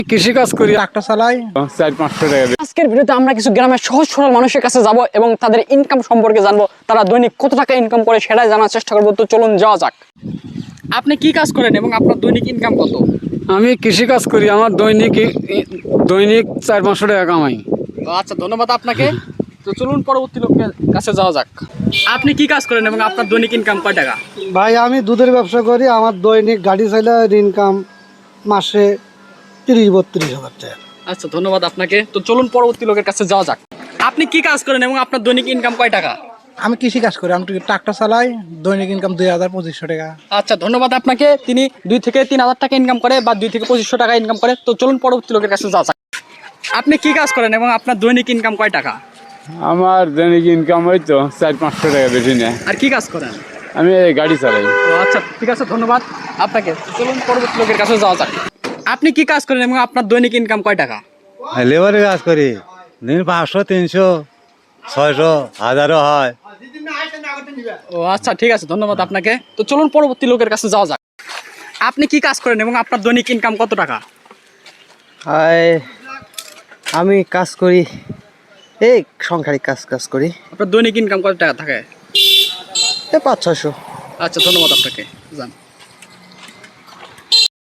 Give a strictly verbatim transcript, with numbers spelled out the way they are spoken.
কৃষি কাজ করি, ট্রাক্টর চালাই, চার পাঁচশো টাকা। আজকের ভিডিওতে আমরা কিছু গ্রামের সহজ সরল মানুষের কাছে যাব এবং তাদের ইনকাম সম্পর্কে জানবো, তারা দৈনিক কত টাকা ইনকাম করে সেটাই জানার চেষ্টা করবো। তো চলুন যাওয়া যাক। আপনি কি কাজ করেন এবং আপনার দৈনিক ইনকাম কত? আমি কৃষি কাজ করি, আমার দৈনিক দৈনিক চার পাঁচশো টাকা কামাই। আচ্ছা, ধন্যবাদ আপনাকে। তো চলুন পরবর্তী লোকের কাছে যাওয়া যাক। আপনি কি কাজ করেন এবং আপনার দৈনিক ইনকাম কয় টাকা? ভাই আমি দুধের ব্যবসা করি, আমার দৈনিক গাড়ি চাইলে ইনকাম মাসে তিরিশ বত্রিশ হাজার টাকা। আচ্ছা, ধন্যবাদ আপনাকে। তো চলুন পরবর্তী লোকের কাছে যাওয়া যাক। আপনি কি কাজ করেন এবং আপনার দৈনিক ইনকাম কয় টাকা? আমি কৃষি কাজ করি, আমি ট্রাক্টর চালাই, দৈনিক ইনকাম দুই হাজার পঁচিশশো টাকা। আচ্ছা, ধন্যবাদ আপনাকে। তিনি দুই থেকে তিন হাজার টাকা ইনকাম করে বা দুই থেকে পঁচিশশো টাকা ইনকাম করে। তো চলুন পরবর্তী লোকের কাছে যাওয়া যাক। আপনি কি কাজ করেন এবং আপনার দৈনিক ইনকাম কয় টাকা? আমার দৈনিক ইনকাম ওই তো চার পাঁচশো টাকা, বেশি না। আর কি কাজ করেন? আমি এই গাড়ি চালাই। ও আচ্ছা, ঠিক আছে, ধন্যবাদ আপনাকে। চলুন পরবর্তী লোকের কাছে যাওয়া যাক। আপনি কি কাজ করেন এবং আপনার দৈনিক ইনকাম কয় টাকা? লেবারের কাজ করি, দিন পাঁচশো তিনশো ছয়শো হাজারও হয়। ও আচ্ছা, ঠিক আছে, ধন্যবাদ আপনাকে। তো চলুন পরবর্তী লোকের কাছে যাওয়া যাক। আপনি কি কাজ করেন এবং আপনার দৈনিক ইনকাম কত টাকা? আমি কাজ করি, এই সংসারিক কাজ কাজ করি, আপনার দৈনিক ইনকাম কত টাকা থাকে? এই পাঁচ ছয়শো। আচ্ছা, ধন্যবাদ আপনাকে। যান।